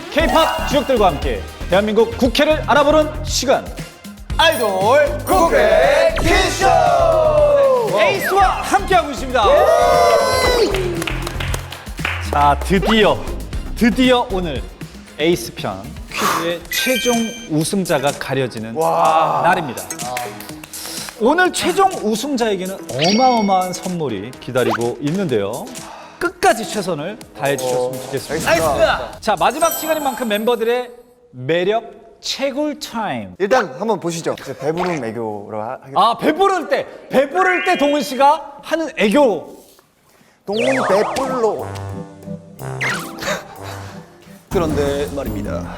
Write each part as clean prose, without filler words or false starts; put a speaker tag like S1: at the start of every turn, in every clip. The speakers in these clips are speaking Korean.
S1: K-팝 주역들과 함께 대한민국 국회를 알아보는 시간.
S2: 아이돌 국회 퀴즈쇼!
S1: 에이스와 함께하고 있습니다. 자, 드디어 오늘 에이스 편 퀴즈의 최종 우승자가 가려지는 날입니다. 오늘 최종 우승자에게는 어마어마한 선물이 기다리고 있는데요. 끝까지 최선을 다해 주셨으면 좋겠습니다.
S2: 나이스!
S1: 자, 마지막 시간인 만큼 멤버들의 매력 채굴 타임.
S2: 일단 한번 보시죠. 배부른 애교로 하겠습니다.
S1: 아, 배부를 때 동훈 씨가 하는 애교.
S2: 동훈 배불로. 그런데 말입니다.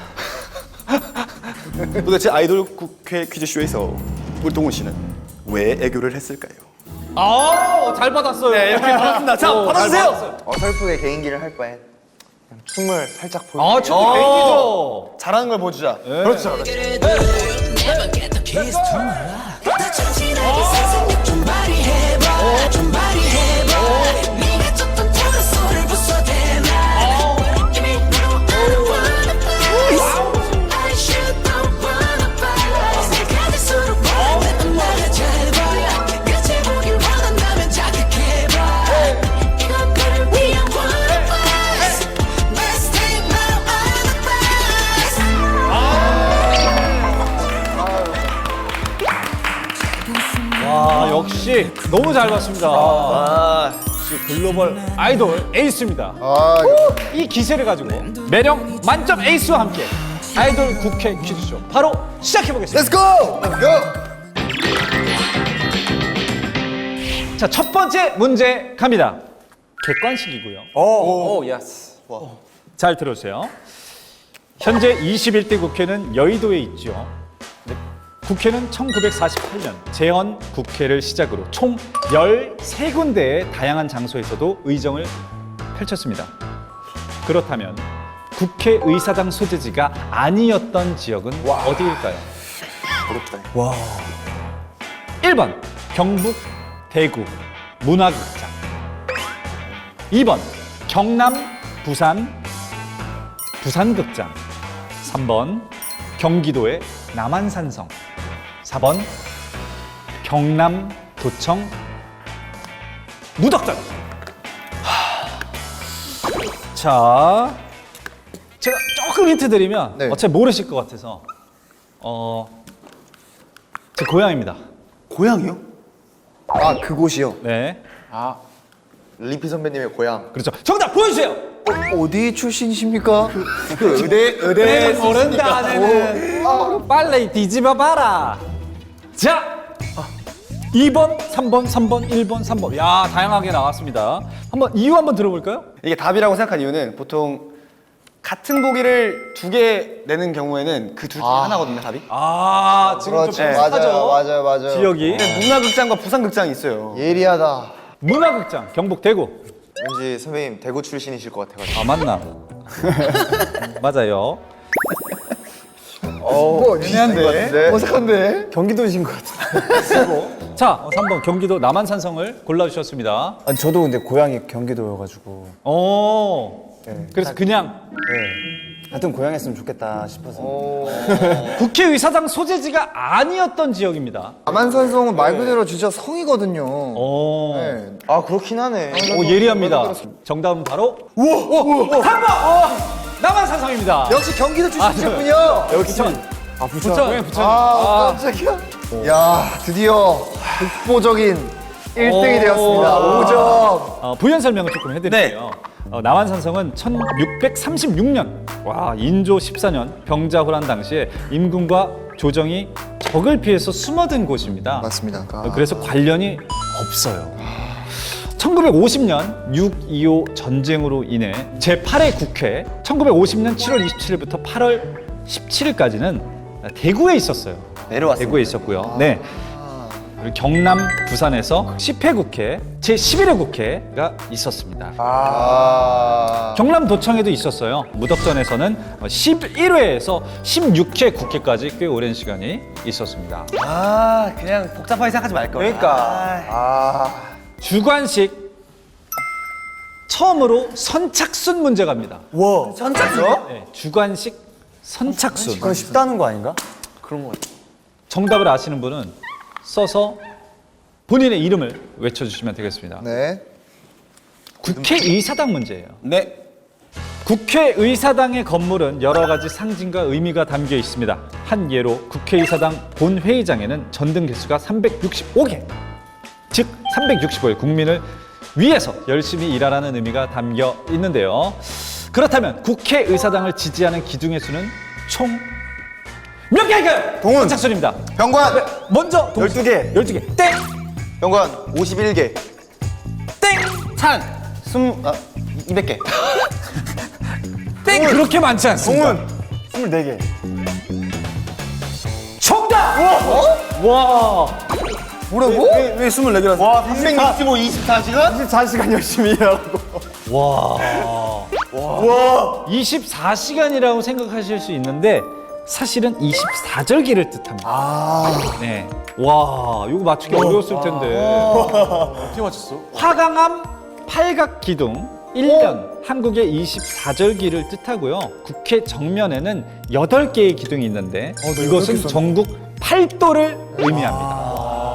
S2: 도대체 아이돌 국회 퀴즈쇼에서 우리 동훈 씨는 왜 애교를 했을까요?
S1: 아, 잘 받았어요.
S2: 네, 이렇게 받았습니다. 자, 받아주세요.
S3: 어설프게 개인기를 할 바엔 그냥 춤을 살짝 보여.
S1: 아, 저 애기죠.
S2: 잘하는 걸 보여주자. 그렇죠.
S1: 와, 역시 너무 잘 봤습니다. 역시 글로벌 아이돌 에이스입니다. 이 기세를 가지고 매력 만점 에이스와 함께 아이돌 국회 퀴즈쇼 바로 시작해보겠습니다.
S2: Let's go! Let's go!
S1: 자, 첫 번째 문제 갑니다. 객관식이고요.
S2: 오, 예스.
S1: 잘 들어주세요. 현재 21대 국회는 여의도에 있죠. 네. 국회는 1948년 재헌 국회를 시작으로 총 13군데의 다양한 장소에서도 의정을 펼쳤습니다. 그렇다면 국회의사당 소재지가 아니었던 지역은 어디일까요?
S2: 어렵다.
S1: 1번 경북 대구 문화극장, 2번 경남 부산 부산극장, 3번 경기도의 남한산성, 4번 경남 도청 무덕전. 자, 제가 조금 힌트 드리면
S2: 네.
S1: 어차피 모르실 것 같아서 제 고향입니다.
S2: 고향이요? 아, 그곳이요?
S1: 네,
S3: 리피 선배님의 고향.
S1: 그렇죠. 정답 보여주세요.
S2: 어디 출신이십니까? 그 의대
S1: 모른다는 빨리 뒤집어 봐라. 자, 2번, 3번, 3번, 1번, 3번. 야, 다양하게 나왔습니다. 이유 한번 들어볼까요?
S4: 이게 답이라고 생각한 이유는 보통 같은 보기를 두 개 내는 경우에는 그 둘 중에 하나거든요, 답이.
S1: 아, 지금 좀
S3: 그렇죠.
S1: 비슷하죠.
S3: 맞아요.
S1: 지역이.
S4: 문화극장과 부산극장이 있어요.
S3: 예리하다.
S1: 문화극장, 경북 대구.
S3: 왠지 선배님 대구 출신이실 것 같아가지고.
S1: 아, 맞나? 맞아요.
S2: 애매한데? 어색한데?
S3: 경기도이신 것 같은데.
S1: 자, 3번 경기도 남한산성을 골라주셨습니다.
S3: 아니, 저도 근데 고향이 경기도여가지고.
S1: 그래서 그냥
S3: 같은 고향이었으면 좋겠다 싶어서.
S1: 국회의사당 소재지가 아니었던 지역입니다.
S2: 남한산성은 말 그대로 진짜 성이거든요. 네.
S3: 아, 그렇긴 하네.
S1: 오, 예리합니다. 정답은 바로 3번! 남한산성입니다.
S2: 역시 경기도 출신이셨군요.
S1: 부천.
S3: 부천.
S1: 고향 부천.
S2: 깜짝이야. 야, 드디어 독보적인 1등이 되었습니다. 5점.
S1: 부연 설명을 조금 해드릴게요. 남한산성은 1636년, 인조 14년 병자호란 당시에 임금과 조정이 적을 피해서 숨어든 곳입니다.
S2: 맞습니다.
S1: 그래서 관련이 없어요. 1950년 6.25 전쟁으로 인해 제8회 국회 1950년 7월 27일부터 8월 17일까지는 대구에 있었어요.
S4: 내려왔습니다.
S1: 대구에 있었고요. 네. 그리고 경남, 부산에서 10회 국회, 제11회 국회가 있었습니다. 경남도청에도 있었어요. 무덕전에서는 11회에서 16회 국회까지 꽤 오랜 시간이 있었습니다.
S4: 그냥 복잡하게 생각하지 말걸.
S3: 그러니까.
S1: 주관식 처음으로 선착순 문제 갑니다.
S3: 와. 선착순?
S1: 네, 주관식 선착순.
S3: 그건 쉽다는 거 아닌가?
S1: 정답을 아시는 분은 써서 본인의 이름을 외쳐주시면 되겠습니다.
S3: 네.
S1: 국회의사당 문제예요.
S4: 네.
S1: 국회의사당의 건물은 여러 가지 상징과 의미가 담겨 있습니다. 한 예로 국회의사당 본회의장에는 전등 개수가 365개, 즉 365일 국민을 위해서 열심히 일하라는 의미가 담겨 있는데요. 그렇다면 국회의사당을 지지하는 기둥의 수는 총 몇 개일까요?
S3: 동훈.
S1: 선착순입니다.
S3: 병관.
S1: 먼저
S3: 12개.
S1: 12개. 땡!
S3: 병관 51개.
S1: 땡!
S4: 찬. 200개.
S1: 땡! 그렇게 많지 않습니다.
S3: 동훈 24개.
S1: 정답! 와!
S3: 뭐라고? 왜 24개라서? 와,
S4: 365, 24시간?
S3: 24시간 열심히 일하고.
S1: 와. 24시간이라고 생각하실 수 있는데 사실은 24절기를 뜻합니다. 네. 와, 이거 맞추기 어려웠을 텐데.
S3: 어떻게 맞췄어?
S1: 화강암 팔각기둥 1년 한국의 24절기를 뜻하고요. 국회 정면에는 8개의 기둥이 있는데 이것은 전국 8도를 의미합니다.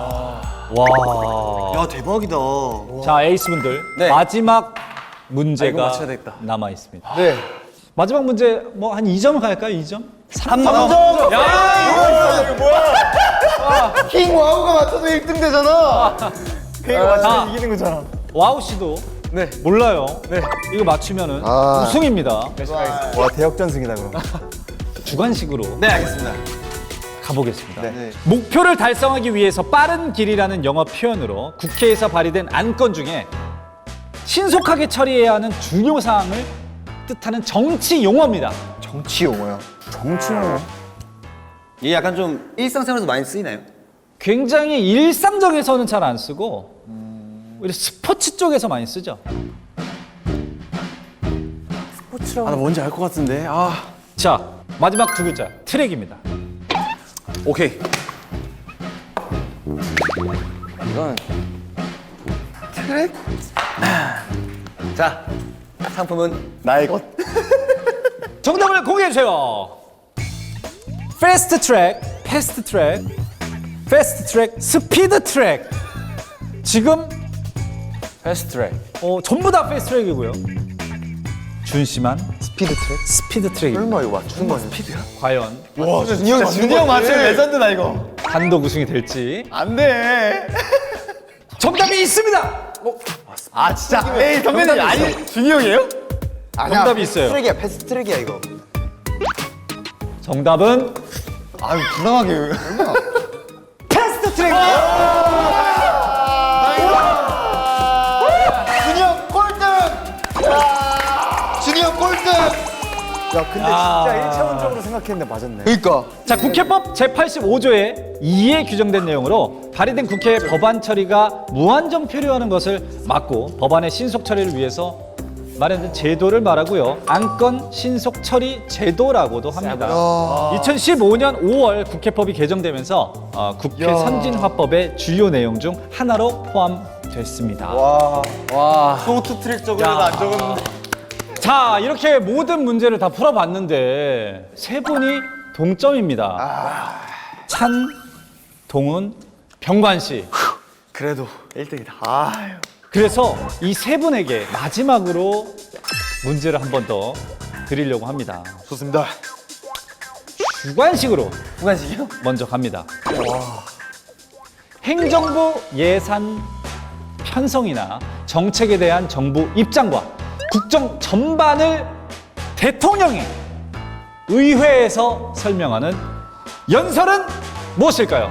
S1: 와.
S4: 야, 대박이다.
S1: 자, 에이스분들
S4: 네.
S1: 마지막 문제가
S3: 맞춰야 되겠다.
S1: 남아 있습니다.
S3: 네.
S1: 마지막 문제 뭐 한 2점 갈까요? 2점?
S3: 3점.
S1: 야!
S3: 이거 뭐야? 킹 와우가 맞춰도 1등 되잖아. 그거
S1: 자.
S3: 맞추면 이기는 거잖아.
S1: 와우 씨도
S3: 네.
S1: 몰라요. 네. 이거 맞추면은 우승입니다.
S3: 와, 대역전승이다 그럼.
S1: 주관식으로
S4: 네, 알겠습니다.
S1: 가보겠습니다.
S3: 네.
S1: 목표를 달성하기 위해서 빠른 길이라는 영어 표현으로 국회에서 발의된 안건 중에 신속하게 처리해야 하는 중요 사항을 뜻하는 정치 용어입니다.
S3: 정치 용어야. 정치 용어?
S4: 이게 약간 좀 일상생활에서 많이 쓰이나요?
S1: 굉장히 일상적에서는 잘 안 쓰고 오히려 스포츠 쪽에서 많이 쓰죠.
S3: 아, 나 뭔지 알 것 같은데. 아.
S1: 자, 마지막 두 글자 트랙입니다.
S4: 오케이.
S3: 이건
S4: 자, 상품은
S3: 나의 것.
S1: 정답을 공개해 주세요. 패스트 트랙, 패스트 트랙, 패스트 트랙, 스피드 트랙. 지금
S3: 패스트 트랙.
S1: 전부 다 패스트 트랙이고요. 준씨만
S3: 스피드 트랙?
S1: 스피드 트랙입니다.
S3: 설마 이거 맞추는 거야? 스피드야?
S1: 과연
S3: 와, 준이 형 맞추면 레전드다 이거.
S1: 단독 우승이 될지.
S3: 안 돼.
S1: 정답이 있습니다.
S3: 아, 진짜. 에이, 선배님 아니 준이 형이에요? 아니야.
S1: 정답이 있어요.
S3: 트랙이야, 패스트 트랙이야 이거.
S1: 정답은
S3: 아유, 불쌍하게.
S1: 패스트 트랙.
S3: 준이 형 꼴등! 준이 형 꼴등! 야, 근데 진짜 1차원적으로 생각했는데 맞았네. 그니까.
S1: 자, 국회법 제85조의 2에 규정된 내용으로 발의된 국회 법안 처리가 무한정 표류하는 것을 막고 법안의 신속 처리를 위해서 마련된 제도를 말하고요. 안건 신속 처리 제도라고도 합니다. 2015년 5월 국회법이 개정되면서 국회 선진화법의 주요 내용 중 하나로 포함됐습니다.
S3: 소트 트랙 적으려면 안 적었는데.
S1: 자, 이렇게 모든 문제를 다 풀어봤는데 세 분이 동점입니다. 찬, 동훈, 병관 씨.
S3: 그래도 1등이다. 아유.
S1: 그래서 이 세 분에게 마지막으로 문제를 한 번 더 드리려고 합니다.
S3: 좋습니다.
S1: 주관식으로
S3: 주관식이요?
S1: 먼저 갑니다. 행정부 예산 편성이나 정책에 대한 정부 입장과 국정 전반을 대통령이 의회에서 설명하는 연설은 무엇일까요?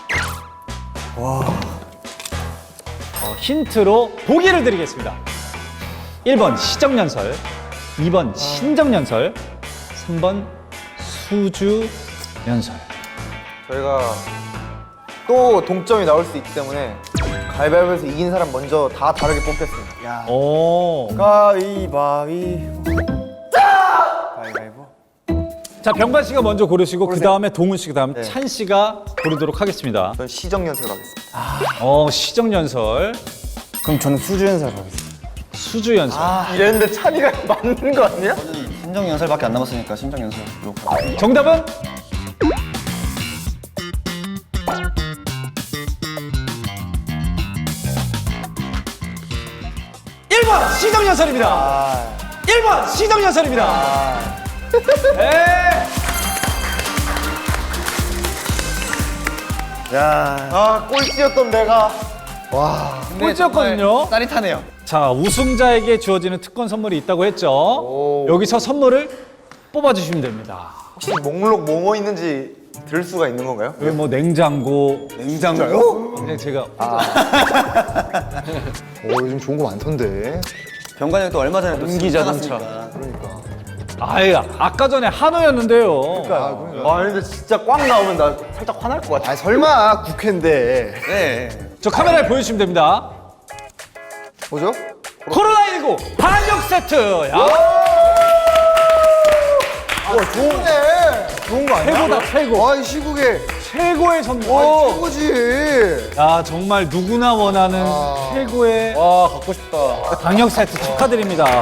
S1: 힌트로 보기를 드리겠습니다. 1번 시정연설, 2번 신정연설, 3번 수주연설.
S3: 저희가 또 동점이 나올 수 있기 때문에 가위바위보에서 이긴 사람 먼저 다 다르게 뽑겠습니다. 야.
S1: 오.
S3: 가위바위보. 가위바위보.
S1: 자, 병관 씨가 먼저 고르시고 그 다음에 동훈 씨, 그 다음 찬 씨가 고르도록 하겠습니다.
S3: 저는 시정연설 가겠습니다.
S1: 시정연설.
S3: 그럼 저는 수주연설 가겠습니다.
S1: 수주 연설.
S3: 이랬는데 찬이가 맞는 거 아니야?
S2: 심정 연설밖에 안 남았으니까 심정 연설로.
S1: 정답은 일번 시정연설입니다. 1번 시정연설입니다. 네.
S3: 꼴찌였던 내가.
S1: 꼴찌였거든요.
S4: 짜릿하네요.
S1: 자, 우승자에게 주어지는 특권 선물이 있다고 했죠. 여기서 선물을 뽑아주시면 됩니다.
S3: 혹시 목록 뭐뭐 있는지 들을 수가 있는 건가요?
S1: 여기 뭐 냉장고,
S4: 냉장고?
S1: 그냥 제가
S3: 요즘 좋은 거 많던데.
S2: 병관이 형또 얼마 전에 또
S1: 전기 자동차.
S2: 나갔으니까.
S1: 아예 아까 전에 한우였는데요.
S3: 근데 진짜 꽝 나오면 나 살짝 화날 것 같아.
S5: 설마 국회인데.
S2: 네.
S1: 저 카메라에 보여주시면 됩니다.
S3: 뭐죠?
S1: 코로나19 방역 세트. 야,
S5: 좋은 거 아니야?
S1: 최고다 최고.
S5: 이 시국에
S1: 최고의 선물.
S5: 최고지.
S1: 야, 정말 누구나 원하는 최고의
S4: 갖고 싶다.
S1: 방역 세트 축하드립니다.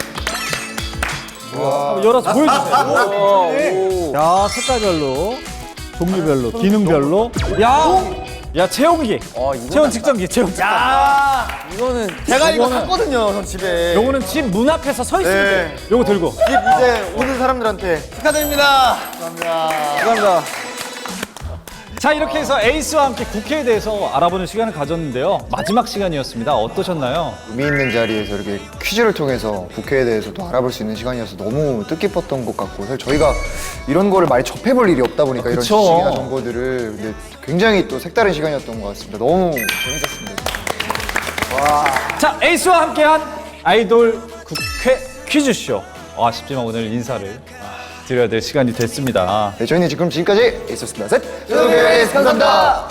S1: 한번 열어서 보여주세요. 야, 색깔별로, 종류별로, 기능별로. 야, 체온기. 체온 측정기, 체온 측정기.
S4: 제가 이거
S1: 이거는-
S4: 샀거든요, 전 집에.
S1: 요거는 집 문 앞에서 서 있으면 돼. 요거 들고.
S3: 이제 오는 사람들한테
S4: 축하드립니다.
S3: 감사합니다.
S1: 자, 이렇게 해서 에이스와 함께 국회에 대해서 알아보는 시간을 가졌는데요. 마지막 시간이었습니다. 어떠셨나요?
S5: 의미 있는 자리에서 이렇게 퀴즈를 통해서 국회에 대해서 또 알아볼 수 있는 시간이어서 너무 뜻깊었던 것 같고, 사실 저희가 이런 거를 많이 접해볼 일이 없다 보니까 이런
S1: 그쵸.
S5: 지식이나 정보들을, 근데 굉장히 또 색다른 시간이었던 것 같습니다. 너무 재밌었습니다.
S1: 자, 에이스와 함께한 아이돌 국회 퀴즈쇼. 아쉽지만 오늘 인사를 드려야 될 시간이 됐습니다.
S5: 네, 저희는 지금 지금까지 있었습니다. 셋! 에이스 감사합니다!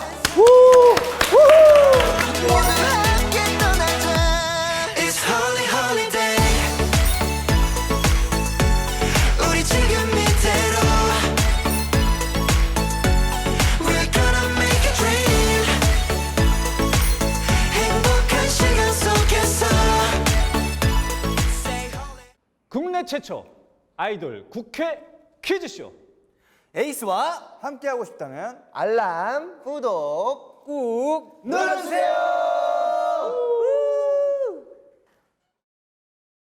S6: It's holy holiday. 우리 지금 이대로 We're gonna make a dream. 행복한 시간 속에서
S1: 국내 최초 아이돌 국회 퀴즈쇼.
S4: 에이스와 함께하고 싶다면
S3: 알람, 구독
S4: 꾹 눌러주세요.